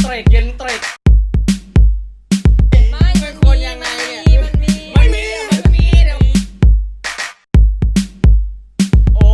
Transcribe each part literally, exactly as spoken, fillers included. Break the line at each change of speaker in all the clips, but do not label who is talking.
รกเย็นเตรก
ไม่เป็นคนยังไงเนี่ยมันมี
ไม่มีมันมีเดี๋ยวโอ้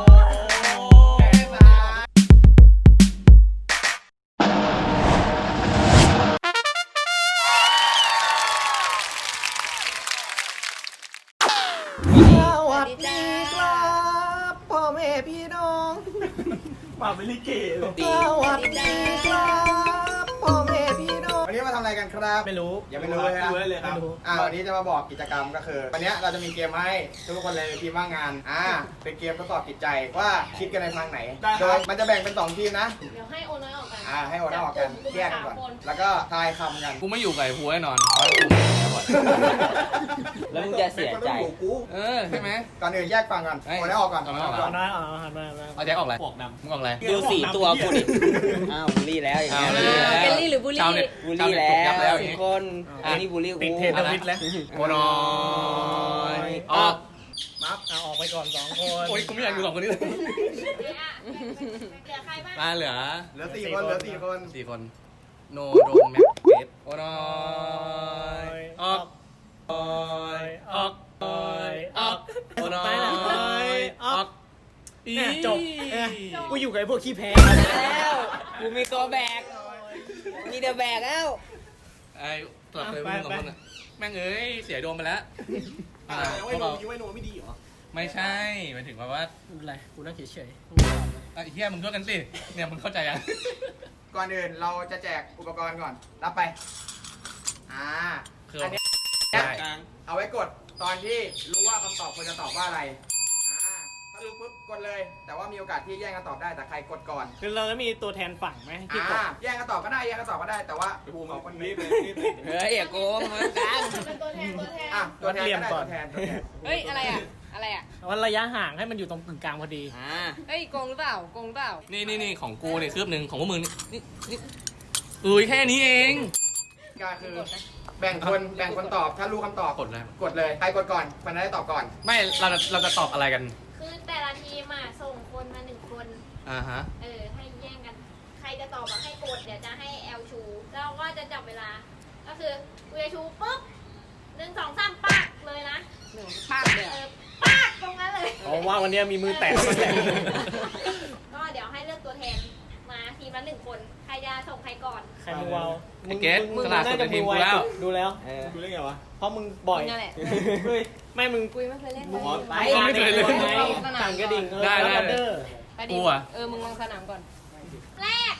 สวัสดีครับพ่อแม่พี่น้องมาเป็นลิเกเลยสวัสดีครับพ่อแม่พี่น้อง
วันนี้มาทำอะไรกันครับ
ไม่รู้
ยังไม่รู้เลยครับ
เลยครับ
อ่าวันนี้จะมาบอกกิจกรรมก็คือวันนี้เราจะมีเกมให้ทุกคนเลยในทีมว่างงานอ่าเป็นเกมทดสอบจิตใจว่าคิดกันในทางไหนโดยมันจะแบ่งเป็นสองทีมนะ
เดี๋ยวให้โอน้อยออกกัน
อ่าให้โอนออกกันแยกกันก่อนแล้วก็ทายคำกัน
กูไม่อยู่กับไอ้หัวแน่นอนเพราะกูไม่ได้บ่อย
แล้วมึงจะเสียใจ
เออใช่ไหม
ก่อนอื่นแยกฟังก่อนโอนออกก่อน
เอาออก
เอาน้อยเอาหันมามา
เอาแจ็คออกอะไรพวกดำมึงออกอะไร
ดูสี่ตัวกูดิอ้าวบูลลี่แล้วอย่างเงี้ยเป็นลี่หรือบูลลี่บูลลี่แล้วทุกคนอันนี้บูลลี่กู
ติดเทรนด์ทวิตแล้ว
โอ้น้อยออก
มัฟ
เอาออกไปก่อนสองคน
โอ้ยกูไม่อยากอยู่สองคนนี้เลย
เหลือใครบ้าง
มาเหลือ
เหลือสี่คนเหลือสี่คน
สี่คนโนโดนแม็กเบสโอ้น้อยออกออยออกออยออกโอ้น้อยออก
เนี่ยจบเนี่ยกูอยู่กับไอ้พวกขี้แพ้
แล้วกูมีตัวแบกมีเดอะแบกแล้ว
ไอ้ตัวเคยมึงสองคนอ่ะแม่งเอ้ยเสียโดนไปแล้วพวกเราไม่ใช่หมายถึงว่าว่า
ไม่เป็นไรกูนั่งเฉย
ไอ้เหี้ยมึงช่วยกันสิเนี่ยมึงเข้าใจยัง
ก่อนอื่นเราจะแจกอุปกรณ์ก่อนรับไปอ่า
คือ
อันนี้
ได้
เอาไว้กดตอนที่รู้ว่าคำตอบควรจะตอบว่าอะไรอ่าถ้ารู้ปุ๊บกดเลย แต่ว่ามีโอกาสที่แย่งกันตอบได้แต่ใครกดก่อน
ๆคือเราจะมีตัวแทนฝั่งไหมที่กด
อ่าแย่งกันตอบก็ได้แย่งกันตอบก็ได้แต่ว่าขอคนนี้
เฮ้ยอย่าโกงมันกัน
เป็นตัวแทนตัวแทน
อ่ะตัวแทนก็ได้ตัวแทนตัวแทน
เฮ้ย อะไรอ่ะ อะไรอ่ะ
วันระยะห่างให้มันอยู่ตรงกึ่งกลางพอดี
อ่า
เฮ้ยโกงหรือเปล่าโกงหรือเปล่า
นี่นี่นี่ของกูเนี่ยคืบหนึ่งของพวกมึงนี่นี่นี่อุ้ยแค่นี้เอง
ก็คือแบ่งคนแบ่งคนตอบถ้ารู้คำตอบ
กดเลย
กดเลยใครกดก่อนคนนั้นได้ตอบก่อน
ไม่เราจะเราจะตอบอะไรกัน
คือแต่ละทีมอ่ะส่งคนมาหนึ่งคน
อ่าฮะ
เออ ให้แย่งกัน ใครจะตอบอ่ะให้กด เดี๋ยวจะให้แอลชู แล้วก็จะจับเวลา ก็คือกูจะชูปุ๊บหนึ่งสองสามปักเลยนะ
หนึ่งภาคเลย
เออปักตรงนั้นเลย
เพราะว่าวันนี้มีมือแตกมือแตก
ก็เดี๋ยวให้เลือกตัวแทนมาทีมละหนึ่งคน ใครจะส่งใครก่อน
ใครมือวาว
ไอ้เกสสลัดสุดในทีมกูแล้ว
ดูแล้ว
เออ
ดูเรื่องไงวะเพราะมึงบ่อย
มึงนั่นแหละ
เฮ้ยไม่มึง
กูยังไม่เคยเล่นเลย
ไปไม่เคยเลยสั่งกระดิ่ง
ได้ได้
เด้อ
ไปดิ
กูอะ
เออ มึงลงสนามก่อน แรก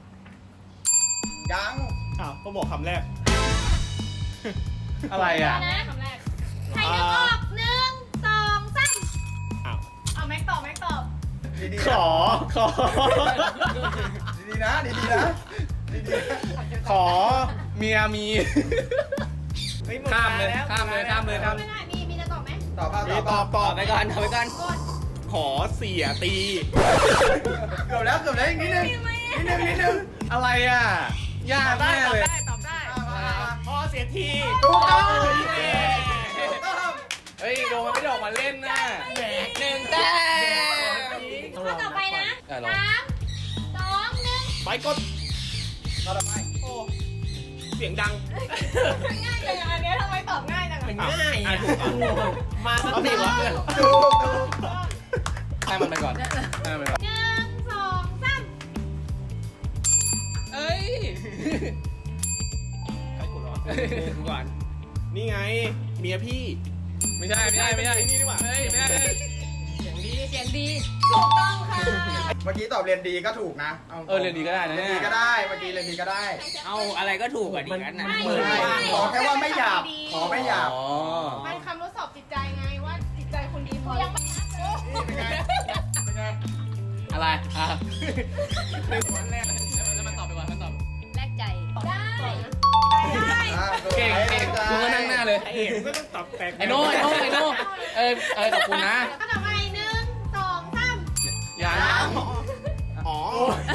ยัง
อ้าวก็บอกคำแรก
อะไรอ่ะ
นะคำแรก ใครจะตอบหนึ่งสองสาม
อ้าว
เอาแม็กตอบแม็กตอบ
ดี
ข
ๆ
อขอ
ดีๆนะดีๆนะดีๆ
ขอ
เมียมี
เฮ้ยหด
ข้ามเลย
แล้ว
ข้ามเลยข้ามเลยข้าม
ไม่ได้ มีมีจะตอบไหม
ตอบเปล่า
มี
ตอบเป
ต
ล่า
อบตอ
ต่อบ ไปก่อนต่อไปก่อน
กด
ขอเสียตี
เกือบแล้วเกือบแล้วอีกนิดนึงนิดนึงนิดนึง
อะไรอ่ะยาก
ได้
แน่
ตอบ
เลย
ได้ตอบได้
มามามา
ขอเสียที
ถูกต้อง
เย้
ถูกต้อง
เฮ้ยโดนมันไม่ได้ออกมาเล่นนะ
หนึ่งแต้ม
ข้อต่อไปนะ
ได้ลอง
สามสองหนึ่ง
ไปกด
ต่อไป
โอ้เสียงดัง
ง่ายจังอันนี้ทำไมตอบง่ายจัง
มันง่ายอ่ะมาสักทีวะ
ถูกถูก
ให้มันไปก่อนให้มันไปก่อน
หนึ่งสองสาม
เอ้ย
ใครกดเหรอ
กูก่อน
นี่ไง เมียพี่
ไม่ใช่ไม่ใช่ไม่ใช่
นี่นี่หว่า
เฮ้ยไม่ใช่
เสียงดีเสียงดีถูกต้องค่ะ
เมื่อกี้ตอบเรียนดีก็ถูกนะ
เออเรียนดีก็ได้นะ
เรียน
เนี่
ดี
ย
ก็ได้เมื่อกี้เรียนดีก็ได้
เอาอะไรก็ถูกกว่าดีกันนะ
เออขอแค่ว่าไม่หยาบขอไม่หยาบ
อ๋อ
มันคำทดสอบจิตใจไงว่าจิตใจคุณดีพอยังไม่
เป็นไงเป็นไง
อะไรอ่ะวันแรกเลยแล้วมันตอบไปก่อนมันตอบ
แลกใจได้ได้
อ่ะ
เก่งเก่งกูก็นั่งหน้าเลย
ไอเอกก็ต้องตอบแปลก
ไอ้โน่ไอ้โน่ไอ้โน่เออเออขอบคุณนะ
แล้วก็ต่อไปหนึ่งสองสาม
ยัง
อ๋อ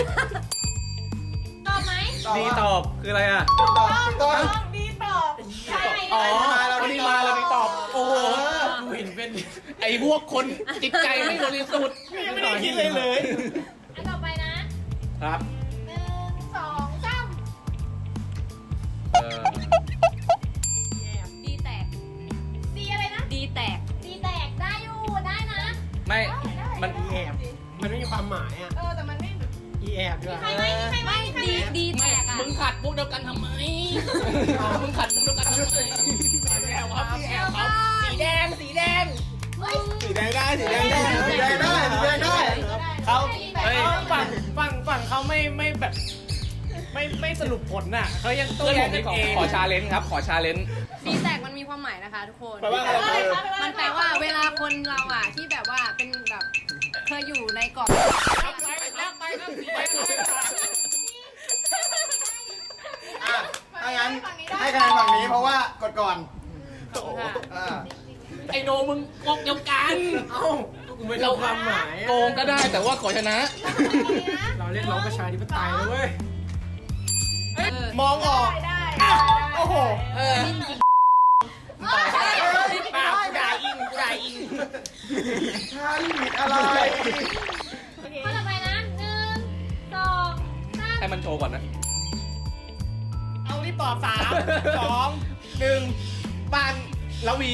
ตอบไหม
ดีตอบคืออะไรอ่ะ
ตอบตอบ
ดีตอบใช่
อ๋อ
เรา
วัน
ดี
นี้
ตอบ
มาเราดีตอบ โอ้โหกูเห็นเป็นไอ้พวกคนจิตใจไม่บริสุทธิ์
ไม่ได้คิดเลยเลย
อันต่อไปนะครับ หนึ่งสองสาม
มันอีแอบมันไม่มีความหมายอ่ะ
เออแต่มันไม่
อีแอบด้วย
ใครไหมใครไหมดีดีแท็กอ่ะ
มึงขัดพวกเดียวกันทำไม มึงขัดพวกเดียวกันทำไมแอลครับพี่แอลครับสีแดง สีแดง
สีแดงได้สีแดงได้
สีแดงได้สีแดงได้
เขา
เฮ้ย
ฝั่งฝั่งฝั่งเขาไม่ไม่แบบ ไม่ไม่สรุปผลน่ะเขายังโต้
เพื่อน
แย้
ผ
ง
ม
กัน
นี่ขอ
เอง
ขอชาเลนจ์ครับ ขอชาเลนจ์
ดีแตกมันมีความหมายนะคะทุกคน
แปลว่าอะไร
มันแปลว่าเวลาคนเราอ่ะที่แบบว่าเป็นแบบเคยอยู่ในเกาะ
ไปแล้วไปครับสีแดง
อ่ะถ้างั้นให้คะแนนฝั่งนี้เพราะว่ากดก่อน
ค่ะ
อ่า
ไอโนมึงกกเดียวกัน
เอ้ากูไม่รู้ความหมาย
โกงก็ได้แต่ว่าขอชนะ
เราเรียกร้องประชาธิปไตยนะเว้ย
เออ
มองออก
ได้
โอ้โห
เออ
เปล่ากูด่าอิงกูด่าอิง
ท่านผิดอะไร
ข้อต่อไปนะหนึ่งสองสาม
ให้มันโชว์ก่อนนะ
เอารีบตอบสามสองหนึ่งปัน
ละวี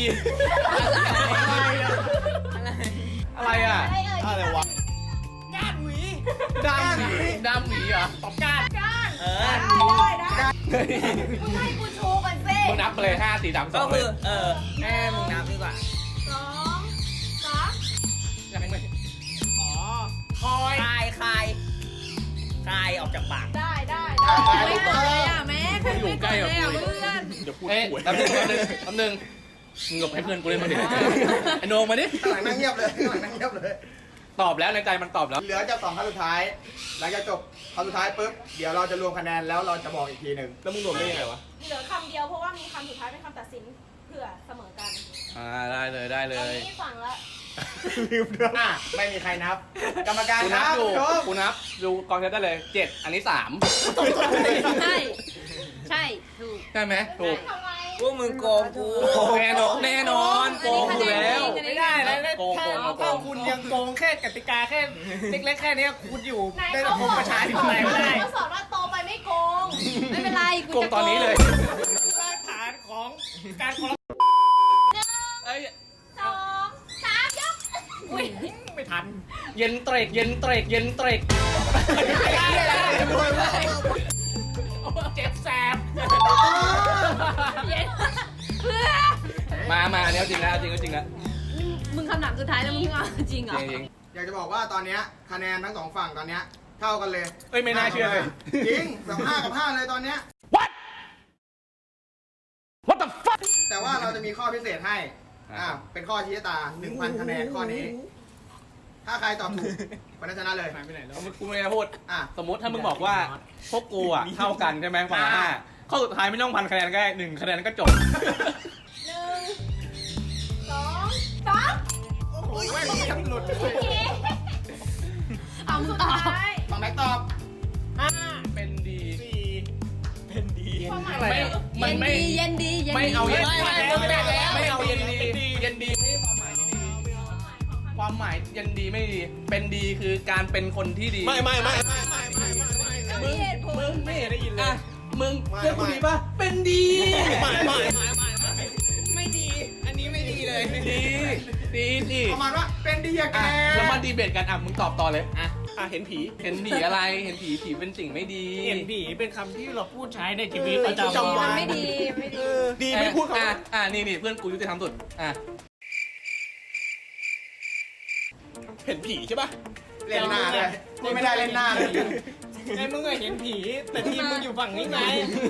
อะไรอ่ะ
อะไรเอ่ย
อะไรวะ
ก้านหวี
ดำหวีดำหวีเหรอ
ตอบก้าน
ก้าน
เออ
ได้ได้ได้
เฮ้ย
มึงให้กูชูก่อนสิ
มึงนับไปเลยห้าสี่สามส
ก็
องเล
คื
ย
อ เออแม่มึงนับดีกว่า
สองสาม
ยังไม่
อ๋อคอย
คลายคลายคลายออกจากปาก
ได้ได้
ได้
ได้
ไม่กดเลยอ่ะแม่ใครไม่กดเลยอ่ะเพื่อน
เอ๊ะแป๊บนึงแป๊บนึงแป๊บนึงมึงหลบให้เพื่อนกูเล่นมาดิไอโนมาดิ
ข้างหลังนั่งเงียบเลยข้างหลังนั่งเงียบเลย
ตอบแล้วในใจมันตอบแล้ว
เหลือจะสองคำสุดท้าย หลังจากจบคำสุดท้ายปุ๊บ เดี๋ยวเราจะรวมคะแนนแล้วเราจะบอกอีกทีหนึ่ง
แล้วมึงรวมได้ยังไงวะ
เหลือคำเดียวเพราะว่ามีคำสุดท้ายเป็นคำตัดสินเผื่อเสมอกัน
อ่าได้เลยได้เล
ตอน
ย
นี้ฝั่งละ
อ่ะไม่มีใครนับ กรรมการ
กู
ค
นับ
รับ
อยู่
ชม
กูนับดูกองเชียร์ได้เลยเจ็ดอันนี้สาม
ใช่ใช่ถูก
ใช่ไหมถูก
ทำไม
พวกมึงโกงกู
แน่นอนแน่นอนโกงอยู่แล้ว
ไม่ได้แล้ว
โกง
แค่
โกงโกง
ถ้าคุณยังโกงแค่กติกาแค่เล็กๆแค่เนี้ยคุณอยู่
ไหน
ใน
เขา
ระบบประชาธิปไตยไม่ได้
เขาสอนว่าโตไปไม่โกง
ไม่เป็นไรกู
โกง
จะ
ตอนนี้เลย
รากฐานของการคอร์รัป
เอ้ย
สองสามยก
อุ้ยไม่ทัน
เย็นเตรกเย็นเตรกเย็นเตรก
ไม่ได้เลย
เจ็บแสบ
เย็นเพื่อ
มามาเนี่ยจริงแล้วจริงก็จริงแล้ว
มึงคำถามสุดท้ายแล้วมึงเอาจริงเหร
จ
อ
ริงจริง
อยากจะบอกว่าตอนเนี้ยคะแนนทั้งสองฝั่งตอนเนี้ยเท่ากันเลย
เอ้ยไม่น่าเชื่อเลย
จริงแบบห้ากับห้าเลยตอนเนี้ย
What What the fuck
แต่ว่าเราจะมีข้อพิเศษให้ อ่า เป็นข้อชี้ชะตาหนึ่งพันคะแนนข้อนี้ ถ้าใครตอบถูกคนนั้นชนะเลย
หายไปไหนแล้ว
กูไม่ได้พูด
อ่ะ
สมมติถ้ามึงบอกว่าพวกกูอ่ะเท่ากันใช่ไหมฝั่งละห้าข้อสุดท้ายไม่ต้องพันคะแนนก็ได้หนึ่งคะแนนก็จบ
หนึ่งสองสาม
โอ้ยไม่ทั้งหลุดเล
โอย เค
เอามึงตอบ
ท้าย
ฝั่งแบ็คตอบ
ห้า
เป็นดี
สี่เป็นดี
ความหมาย
ไม่มันไม่
เย็นดีเย็นดี
ไม่เอาเย็น
ไม่
ไม่
ไม่
เอา
ไม่ไม่
ไม่เอาเย็นดี
เป็นดี
เย็นดีไม่ใช่ความหมายที่ดีความหมายเย็นดีไม่ดี เป็นดีคือการเป็นคนที่ดี
ไม่ไม่ไม่ไม่ไม่ไม่ไม่
มีเหตุผล
มึงไม่เห็นได้ยินเล
อ่ะ
ย
มึงเชื่อกูดีป่ะเป็นดี
ไม่ไม่ไม่ไม่ไม่ดี อันนี้ไม่ดีเลย
ดีดีดี
ประมาณว่าเป็นดีอะแก
อ่ะแล้วมาดีเบตกันอ่ะมึงตอบต่อเลย
อ่ะอ่ะเห็นผี
เห็นผีอะไรเห็นผีผีเป็นสิ่งไม่ดี
เห็นผีเป็นคำที่เราพูดใช้ในชีวิต
เออ
ประจำวั
มัน นไม่ดีไม่ดี
ดีไม่พูดคำ
อ่ะ
ว่า
อ่ะนี่นี่เพื่อนกูยุติธรรมสุดอ่ะ
เห็นผีใช่ป่ะ
เล่นหน้าเลยนี่ไม่ได้เล่นหน้าเลย
ไอ้มึงอะเห็นผี แต่ทีมมึงอยู่ฝั่งนี้ไง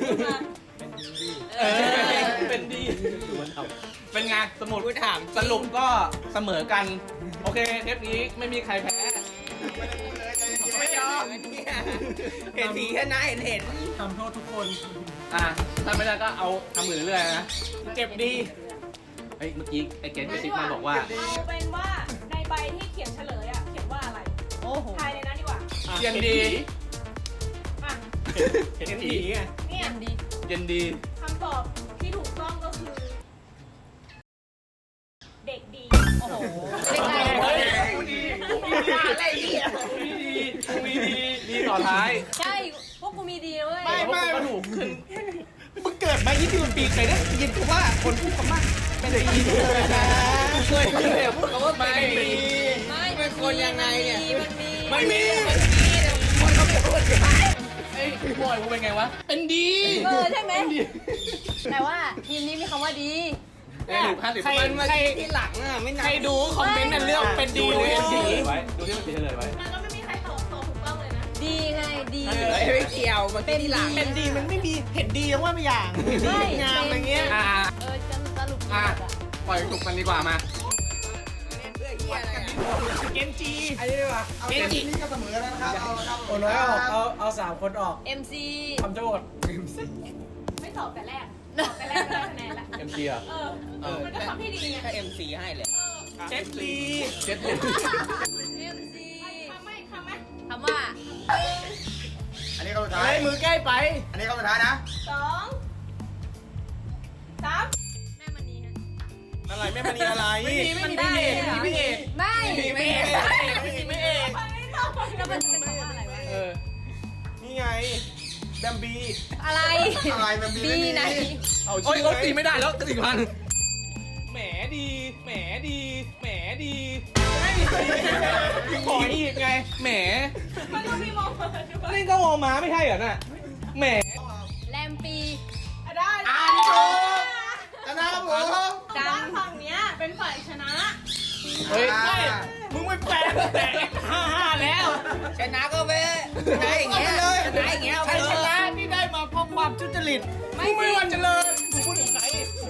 เออเป็นดีเป็นไงสมุดถามสรุปก็เสมอกัน โอเคเทปนี้ไม่มีใครแพ้
ไม่ยอมเห็นผีแค่นะเห็นเห็น
ทำโทษทุกคน
อ่ะถ้าไม่ได้ก็เอาทำอื่นเรื่อยๆนะ
เก็บดี
เฮ้ยเมื่อกี้ไอ้เกสกระซิบมาบอกว่า
เอาเป็นว่าในใบที่เขียนเฉลยอ่ะเขียนว่าอะไร
โอ้โห
ทายในนั้นดีกว่า
เย็นดี
อ่ะ
เห็นผีไง
เนี่ย
เย็นดี
เย็นดี
คำตอบที่ถูกต้องก็คือ เด็กดี
โอ้โหเด็กไง
เฮ้ยกูดีกูดีอะไรเนี่ยกูดีกูมีดีดีต่อท้าย
ใช่พวกกูมีดีเว้ย
ไม่ไม่ก็ถูกขึ้น
มึงเกิดมายี่สิบปีเคยได้ยินคำว่าคนพูดคำว่าเป็นดีเลยนะเคยเคยพูดคำว่าไม่ดี
ไม่มัน
คนยังไงเนี่ย
มันมี
ไม่มีไอ้บอยกูเป็นไงวะ เป็นดี
เออใช่ไหมแต่ว่าทีมนี้มีคำว่าดี
ไอ้หนูห้าสิบ
ใคร
มัน
ใคร
ที่หลังอ่ะไม่
ใครดูคอมเมนต์นั่นเรื่องเป็นดี
ดู
หรือ
ที่
เป็น
มัน
ดี
เฉลยไว้ ดูที่มันเฉลยไว้
มันก็ไม่มีใครตอบตอบถูกต้องเลยนะ
ดีไงดี
ไม่เกี่ยวมันเป็นที่หลัง
เป็นดีมันไม่มีเห็นดียังว่าไม่อย่าง
ไม่
งามอะไรเงี้ย
อ่า
เออจะสรุป
อ่ะ ปล่อยจุกกันดีกว่ามา
เพื่อเฮียอะไรอ่ะ
เกนจี
อันนี้ดีกว่าเอาเกมนี้ก็เสมอแล้วนะครับเอาครับ
โอ้น้อยออกเอาเอาสามคนออก
เอ็มซี
ทำโจทย์
ไม่ตอบแต่แรกตอบแต่แรกก็ได้คะแนนละ
เอ็มซีอ่ะ
เออ
เออ
มันก็ทำที่ดีไง
ก็เอ็มซีให้เลย
เออ
เจ็ดลี
เจ็ด
เอ็มซี
ทำไหมทำไหม
คำว่า
อันนี้ก็สุดท้า
เฮ้
ย
ยมือใกล้ไป
อันนี้ก็สุดท้ายนะ
สองสาม
แม่มณีฮะ
อะไรไม่มานีอะไรไม่มีไม่มีพี่เอกไม่มีพี่เอก
ไม่
ไม่เอกไม่มีไม่เอก
แล้วมันจะเป็นคำว่าอะไรวะ
เออ
นี่ไงแบมบี
อะไร
อะไรมันมี
บี
ไม่มี
ไหน
เอา
โอ้ย
ชื่อ
โอ้ย
ไว้
ตีไม่ได้แล้วสี่พัน
แหมดี แหมดี แหมดีไม่ขออีกไง
แหม
มันก็มีมองเปิดด้วย
นี่ก็วอม้าไม่ใช่เหรอน่ะ แหม
แรมปี
อ่ะได้
อ่านี่ถูกชนะครับผม
ดั
ด้าง นฝั่งเนี้ยเป็นฝ่ายชนะ
เฮ้ย
อ่า
มึงไม่แปลแต่ห้าห้าแล้ว
ชนะก็ไปชนะอย่างเงี้ยชนะอย่างเงี้ยเอาไป
ใคร
เล
ช
ย
นะที่ได้มาเพราะความทุจริต
ไม่
มึงไม่
จริง
วันเจริญมึงพูดถึงใคร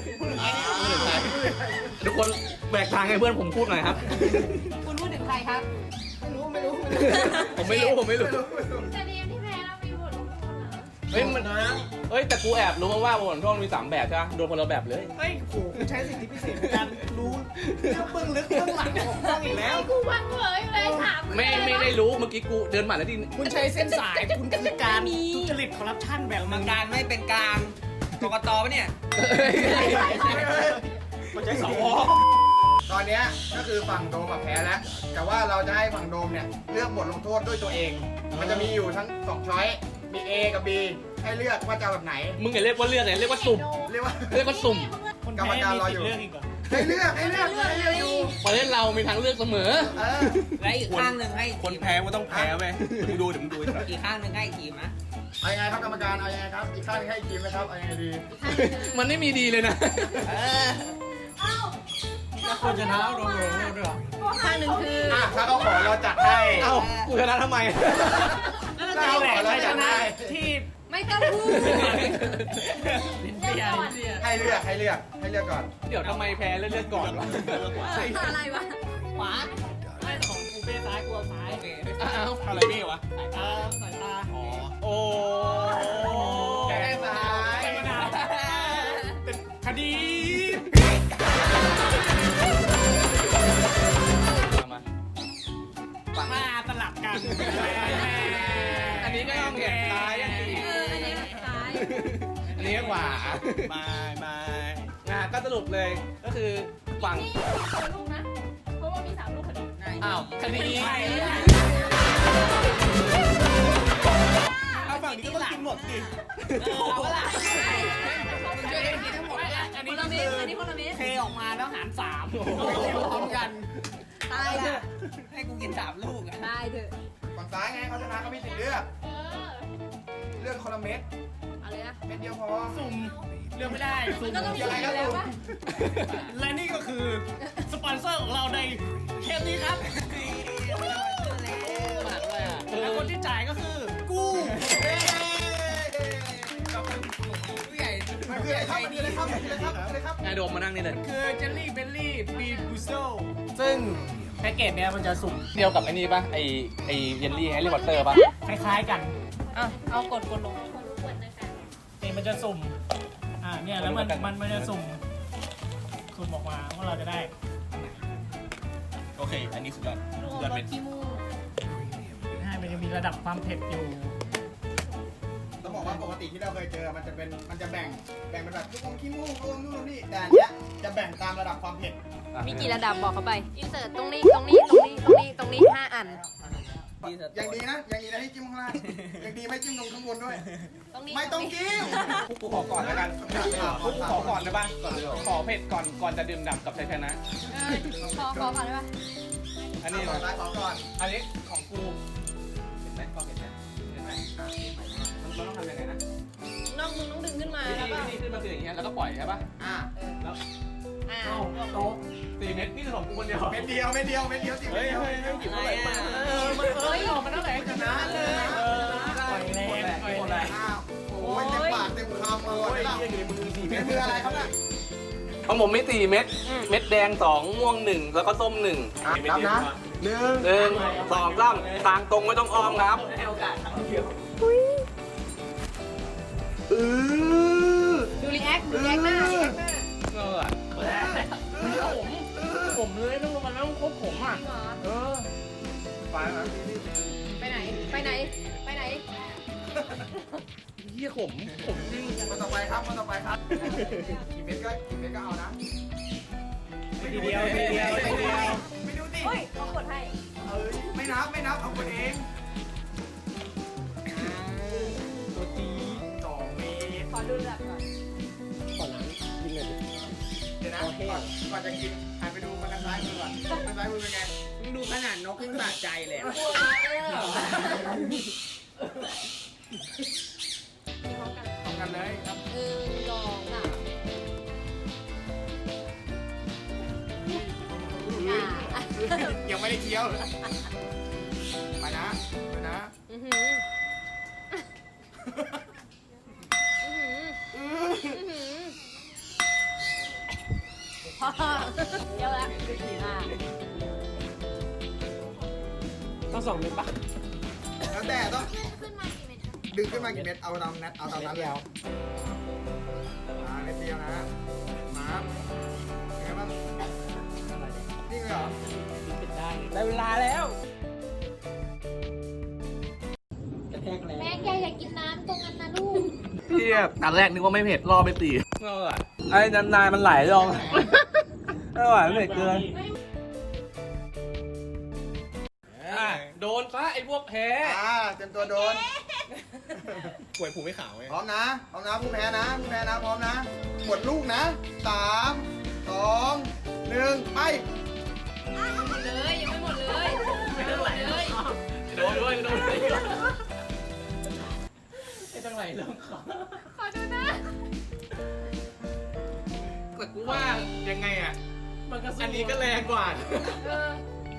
ทุกคนแบกทางให้เพื่อนผมพูดหน่อยครับ
คุณพูดถึงใครครับ
ไม่รู้ไม่รู้ไม่รู้
ผมไม่รู้ ผมไม่รู้
แต่ทีมที่แพ้เรามีบทลงโทษนะ
เฮ้ยมันเฮ้ยแต่กูแอบรู้มาว่าบนช่วงมีสามแบบใช่ไหมโดนคนละแบบเลย
เฮ้ยโหคุณใช้สิทธิพิเศษในการรู้เรื่องเบื้องลึกเบื้องหลังของกล้องอีกแล้ว
กูวันเผยเลยถาม
ไม่ไม่ได้รู้เมื่อกี้กูเดินมาแล้วที่
คุณใช้เส้นสาย คุณคือการทุจริตคอร์รัปชันแบบ
มั
มั
ง
ง
การไม่เป็นกลางกกตปะเนี่ย
มันใช้สว
ตอนเนี้ยก็คือฝั่งโดมอะแพ้แล้ว แต่ว่าเราจะให้ฝั่งโดมเนี่ยเลือกบทลงโทษด้วยตัวเอง มันจะมีอยู่ทั้งสองช้อย มี A กับ B ให้เลือกว่าจะเอาแบบไหน
มึงอย่าเรียกว่าเลือกเลยเรียกว่าสุ่ม
เรียกว่า
เรียกว่าสุ่ม
คน
กรรม
แพ้
การ
มี
รอ
สิ
อ
ท
ยู่
ธิ์เลือกอีกเหรอ
ให้เลือกให้เลือกให้เลือกอยู่
ประเทศเรามีทางเลือกเสมอ
เออ
และอีกข้างหนึ่งให้
คนแพ้ก็ต้องแพ้ไปมึงดูเดี๋ยวมึงดู
อีกข้างหนึ่งให้ทีมนะ
เอายังไงครับกรรมการ เอายังไงครับ อีกข้างหนึงให้อีกทีมนะครับ เอายังไงดี
มันไม่มีดีเลยนะ
เออ
เอ้า
แล้วคนชนะโดนโดนโทษด้วยเหรอ
ข้างหนึ่งคือ
อ่ะถ้าเขาขอเราจัดให้
เอ้ากูชนะทำไม
ถ้าเขาขอเราจัดให้
ที่
ไม่ต้องพูด
เริ่มก่อน
ให้เลือกให้เลือกให้เลือกก่อน
เดี๋ยวทำไมแพ้เลือกก่อนวะ
อะไรวะ
ขวาไม่ของกูเบ้ซ้ายกูเอาซ้าย
โอเค
อ้าว
อะไรเบ้วะสายตาสายตาอ๋อ
โอ้
แก้ซ้าย
เป็นปัญหาเป็นคดี
มา
มาสลับกัน
อันนี้ก็ต้องเห็นซ้ายอันนี้
เอออันนี้ซ้าย
อันนี้ขวา
ไม่ไม่
งานก็สรุปเลยก็คือฝั่ง
นี่คนลูกนะ เพราะว่ามีสามลูกพอดี
อ้าวคดี
เอาฝั่งนี้ก็ต้องกินหมดดิ
เอาละ
มึงช่วยกันกินทั้งหมดเลย
อัน
ค
นี้
นละเม็
คื
ด
อ
อันนี้คนละเม็ด
เทออกมาแล้วหารสามพร้อมกัน
ตายเถอะ
ให้กูกินสามลูกอ่ะ
ตายเถอะ
ฝั่งซ้ายไงเขาชนะเขามีสิทธิ์เลือก
เออ
เลือกคนละเม็ด
เอาเลยนะ
เม็ดเดียวพอ
สุ่มเลือกไม่ได้สุ่ม
ก็ต้อง
ยังไงก็
แล้ว
ถูก
วะ
และนี่ก็คือสปอนเซอร์ของเราในเทปนี้ครับ
หมักเลยอ่ะ
และคนที่จ่ายก็คือกู
ผู้ใหญ่
มันคืออะไรครับมันคืออะไรครับมันคืออะไรครับมันคืออะไรครับ
นายโดมมานั่งนี่เลย
คือเจลลี่เบลลี่บีบูโซซึ่งแพ็กเกจเนี้ยมันจะสุ่ม
เดียวกับไอ้นี่ป่ะไอไอเยลลี่แฮร์รี่พอตเตอร์ป่ะ
คล้ายๆกัน
อ่ะเอากดกดลง
คนรู้ควรนะคะ
นี่มันจะสุ่ม อ่าเนี่ยแล้วมันมันมันจะสุ่มสุ่มออกมาว่าเราจะได้ โอเค อันนี้สุดยอด
รวม
สุดยอด
ร
เป็
ส
น
ขี้มูก
ใช่มันจะมีระดับความเผ็ดอยู่
ต้องบอกว่าปกติที่เราเคยเจอมันจะเป็นมันจะแบ่งแบ่งเป็นแบบลูกอมขี้มูกลูกอมนู่นลูกนี่แต่อันเนี้ยจะแบ่งตามระดับความเผ็ด
มีกี่ระดับบอกเขาไป อินเสิร์ตตรงนี้ ตรงนี้ ตรงนี้ ตรงนี้ ตรงนี้ห้าอัน
ยังดีนะยังดีนะให้จิ้มข้างล่างยังดีไม่จิ้มลงข้างบนด้วย
ตรงนี้
ไม่ต้องจิ้ม
กูขอก่อนแล้วกันกูขอก่อนได้ป่ะขอเผ็ดก่อนก่อนจะดื่มด่ำกับชัยชนะ
เออขอขอก่อนได้ปะ
อันนี้
ขอซ้ายขอก่อน
อันนี้ของกูเห็นไหมพอเห็นไหมเห็นไหมมันต้องทำยังไงนะ
น้องมึงต้องดึงขึ้นมา
นี่
แล้วก็
นี่ขึ้นมาคืออย่างเงี้ยแล้วก็ปล่อยใช่ปะ
อ่า
แล้ว
อ่า
เอ้าโตสี่เม็ดนี่คือของกูคนเดียว
เม็ดเดียวเม็ดเดียวเม็ดเดียวสิ
เฮ้ยเฮ้ยเฮ้ยหยิบอะไรมาเออมันเฮ้ยออกมาตั้งแต่ชนะเลยเออ
ปล่อยแรงปล่อยแรง
อ้าวโอ้ยเต็มปากเต็มคำเลยนะเม็ดมืออะไรครับน่ะ
ของผมมีสี่เม็ดเม็ดแดงสองม่วงหนึ่งแล้วก็ส้มหนึ่ง
นับนะหนึ่ง
หนึ่งสองสามทางตรงไม่ต้องอ้อมครับ
เออ
ดูรีแอคดูรีแอคหน้ารีแอคหน้า
เออผมผมเลยต้องมันต้องครบผมอ่ะ
จริงเหรอ
เออไปนะ
ไปไหนไปไหนไปไหน
เฮียผมผมจริง
มาต่อไปครับมาต่อไปครับกี่เม็ดก็กี่เม็ดก็เอานะ
ทีเดียวทีเดียวทีเดียว
ไม่ดูสิ
เฮ้ยเขากดให้
เอ้ยไม่นับไม่นับเอาคนเอง
ตัวจี
สองเมตร
ขอดูระดับก่อน
ก่อนหลังยิงเลยดิ
เดี๋ยวนะก่อนก่อนจะกินหันไปดูมันทางซ้ายมือก่อนทางซ้ายมือเป็นไง
มึงดูขนาดนกขึ้นสะใจเลยอะ
มีพร้อมกัน
ทำกันเลยครับ
หนึ่งสองสามอ่ะ
ยังไม่ได้เคี้ยวไปนะไปนะ
อือหืออือหืออือหือพอเดี๋ยวละอ่ะ
ต้องสองเม็ดปะ
แล้วแต่ต้อง
ขึ้นมากี่เม็ด
ดึงขึ้นมากี่เม็ดเอาตามนัดเอาตามนั้นเลยมาเม็ดเดียวนะมาเป็นไงบ้างนี่เลยเหรอ
ปิดได้
ได้เวลาแล้ว
กระแทกแรง
แม่แกอย่ากินน้ำตรงนั้นนะลูก
เทียบอันแรกนึกว่าไม่เผ็ดรอไปตีไอ้นานๆมันไหลลงไม่ไหวไม่เผ็ดเกินโดนซะไอ้พวกแพ้
อ่าเต็มตัวโดน
ป่วยผูไม่ขาวไง
พร้อมนะพร้อมนะผู้แพ้นะผู้แพ้นะพร้อมนะหมดลูกนะสามสองหนึ่งไป
หมดเลยยังไม่หมดเลยยังไม่หมดเลย
โดนด้วยโดนด้วย
ไอ้ตั้งไหลเริ่มขอ
ขอดูนะ
แต่กูว่ายังไงอ่ะ
มันก็สู้
อันนี้ก็แรงกว่า
เออ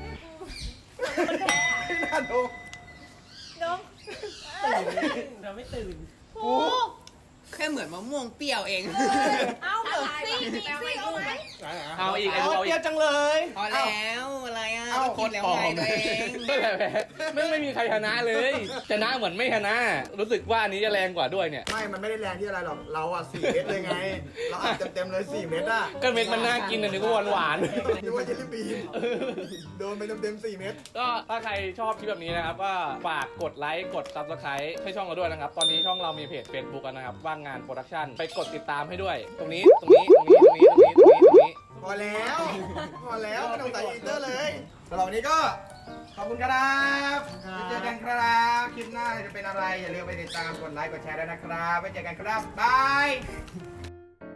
ไม่น่าดู
น้อง
ตื่นเราไม่ตื่น
ผูก
แค่เหมือนมะม่วงเปรี้ยวเอง
เอาเหมือนซี่มีซี่เอาไหม
เอาอีกไอ้เอาอีกจังเลย
พอแล้วอะไรอ่ะ
เอ้า
คิดแล้วไงตัวเอง
ไม่แพ้ไม่ไม่มีใครชนะเลยชนะเหมือนไม่ชนะ รู้สึกว่าอันนี้จะแรงกว่าด้วยเนี่ย
ไม่มันไม่ได้แรงที่อะไรหรอกเราอ่ะสี่เม็ดเลยไงเราอัดเต็มๆเลยสี่เม็ดอ่ะ
ก็เม็ดมันน่ากินนะนึกว่าหวานหวาน
นึกว่าเจลลี่บีนโดนไปเต็มๆสี่เม็ด
ก็ถ้าใครชอบคลิปแบบนี้นะครับก็ฝากกดไลค์กด ซับสไครบ์ ให้ช่องเราด้วยนะครับ ตอนนี้ช่องเรามีเพจ Facebook กันนะครับว่างงานโปรดักชั่นไปกดติดตามให้ด้วย ตรงนี้ตรงนี้ตรงนี้ตรงนี้ตรงนี้ตรงนี้ตรงนี้
พอแล้วพอแล้วไม่ต้องใส่อีเตอร์เลยสำหรับวันนี้ก็ขอบคุณครับไปเจอกันครับคลิปหน้าจะเป็นอะไรอย่าลืมไปติดตามกดไลค์กดแชร์ด้วยนะครับไปเจอกันครับบาย